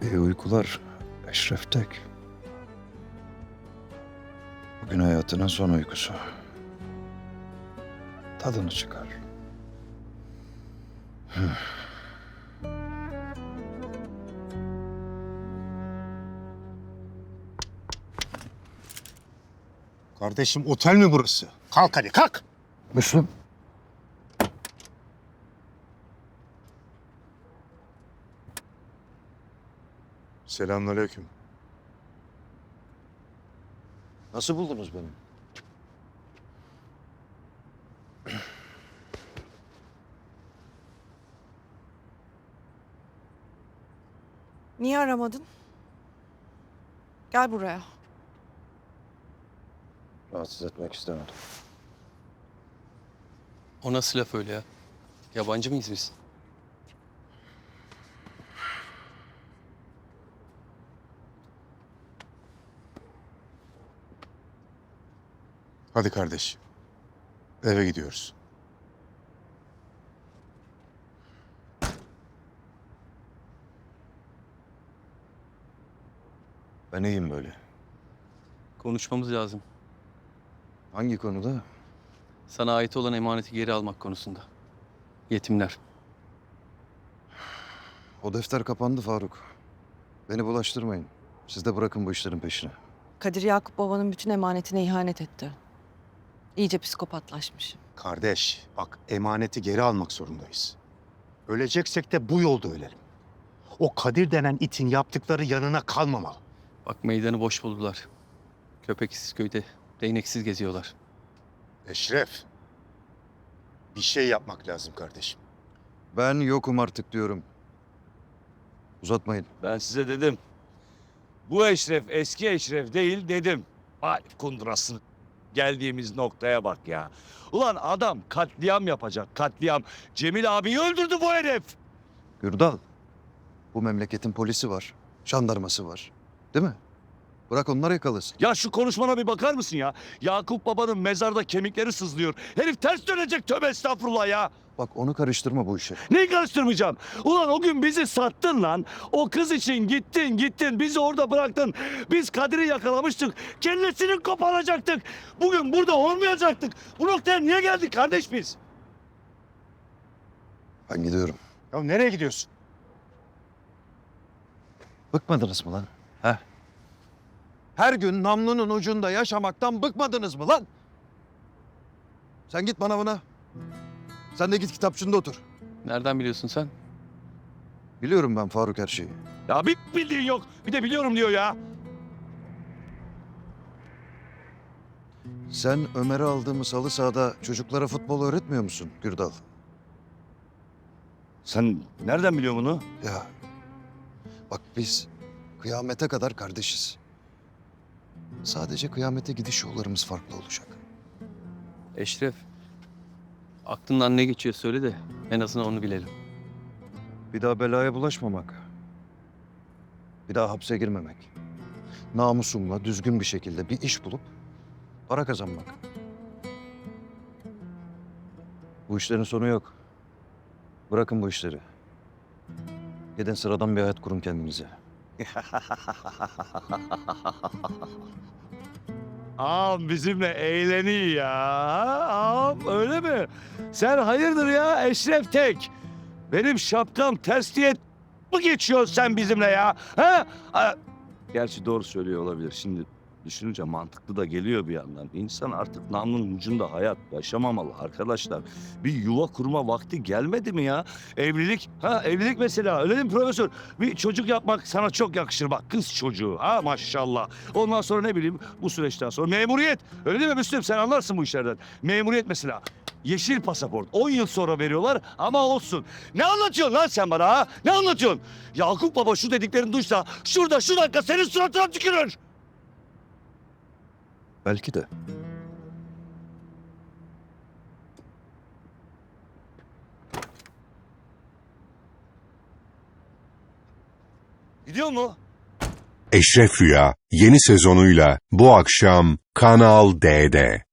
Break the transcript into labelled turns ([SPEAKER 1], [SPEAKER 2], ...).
[SPEAKER 1] İyi uykular Eşref Tek. Bugün hayatının son uykusu. Tadını çıkar.
[SPEAKER 2] Kardeşim otel mi burası? Kalk hadi kalk.
[SPEAKER 1] Müslüm.
[SPEAKER 2] Selamünaleyküm.
[SPEAKER 1] Nasıl buldunuz beni?
[SPEAKER 3] Niye aramadın? Gel buraya.
[SPEAKER 1] Rahatsız etmek istemedim.
[SPEAKER 4] O nasıl laf öyle ya? Yabancı mıyız biz?
[SPEAKER 2] Hadi kardeş. Eve gidiyoruz.
[SPEAKER 1] Ben iyiyim böyle.
[SPEAKER 4] Konuşmamız lazım.
[SPEAKER 1] Hangi konuda?
[SPEAKER 4] Sana ait olan emaneti geri almak konusunda. Yetimler.
[SPEAKER 1] O defter kapandı Faruk. Beni bulaştırmayın. Siz de bırakın bu işlerin peşine.
[SPEAKER 3] Kadir Yakup babanın bütün emanetine ihanet etti. İyice psikopatlaşmış.
[SPEAKER 2] Kardeş bak emaneti geri almak zorundayız. Öleceksek de bu yolda ölelim. O Kadir denen itin yaptıkları yanına kalmamalı.
[SPEAKER 4] Bak meydanı boş buldular. Köpeksiz köyde değneksiz geziyorlar.
[SPEAKER 2] Eşref. Bir şey yapmak lazım kardeşim.
[SPEAKER 1] Ben yokum artık diyorum. Uzatmayın.
[SPEAKER 5] Ben size dedim. Bu Eşref eski Eşref değil dedim. Vay kundurası. Geldiğimiz noktaya bak ya. Ulan adam katliam yapacak katliam. Cemil abiyi öldürdü bu herif.
[SPEAKER 1] Gürdal. Bu memleketin polisi var. Jandarması var. Değil mi? Bırak onlar yakalasın.
[SPEAKER 5] Ya şu konuşmana bir bakar mısın ya? Yakup babanın mezarda kemikleri sızlıyor. Herif ters dönecek tövbe estağfurullah ya.
[SPEAKER 1] Bak onu karıştırma bu işe.
[SPEAKER 5] Neyi karıştırmayacağım? Ulan o gün bizi sattın lan. O kız için gittin. Bizi orada bıraktın. Biz Kadir'i yakalamıştık. Kellesini koparacaktık. Bugün burada olmayacaktık. Bu noktaya niye geldik kardeş biz?
[SPEAKER 1] Ben gidiyorum.
[SPEAKER 2] Ya nereye gidiyorsun?
[SPEAKER 1] Bıkmadınız mı lan? He? Her gün namlunun ucunda yaşamaktan bıkmadınız mı lan? Sen git manavına. Sen de git kitapçında otur.
[SPEAKER 4] Nereden biliyorsun sen?
[SPEAKER 1] Biliyorum ben Faruk her şeyi.
[SPEAKER 5] Ya bir bildiğin yok. Bir de biliyorum diyor ya.
[SPEAKER 1] Sen Ömer'e aldığımız halı sahada çocuklara futbol öğretmiyor musun Gürdal?
[SPEAKER 5] Sen nereden biliyorsun bunu?
[SPEAKER 1] Ya bak biz kıyamete kadar kardeşiz. Sadece kıyamete gidiş yollarımız farklı olacak.
[SPEAKER 4] Eşref. Aklından ne geçiyor söyle de en azından onu bilelim.
[SPEAKER 1] Bir daha belaya bulaşmamak. Bir daha hapse girmemek. Namusumla düzgün bir şekilde bir iş bulup para kazanmak. Bu işlerin sonu yok. Bırakın bu işleri. Gidin sıradan bir hayat kurun kendinize.
[SPEAKER 5] Ağam bizimle eğleniyor ya. Ağam öyle mi? Sen hayırdır ya Eşref Tek? Benim şapkam ters diye mi geçiyorsun sen bizimle ya? Ha? Gerçi doğru söylüyor olabilir. Şimdi düşününce mantıklı da geliyor bir yandan. İnsan artık namlunun ucunda hayat yaşamamalı arkadaşlar. Bir yuva kurma vakti gelmedi mi ya? Evlilik, evlilik mesela öyle değil mi profesör? Bir çocuk yapmak sana çok yakışır bak kız çocuğu ha maşallah. Ondan sonra ne bileyim bu süreçten sonra memuriyet. Öyle değil mi Müslüm sen anlarsın bu işlerden. Memuriyet mesela. Yeşil pasaport 10 yıl sonra veriyorlar ama olsun. Ne anlatıyorsun lan sen bana ha? Ne anlatıyorsun? Yakup baba şu dediklerini duysa şurada şu dakika senin suratına tükürür.
[SPEAKER 1] Belki de.
[SPEAKER 5] Gidiyor mu?
[SPEAKER 6] Eşref Rüya yeni sezonuyla bu akşam Kanal D'de.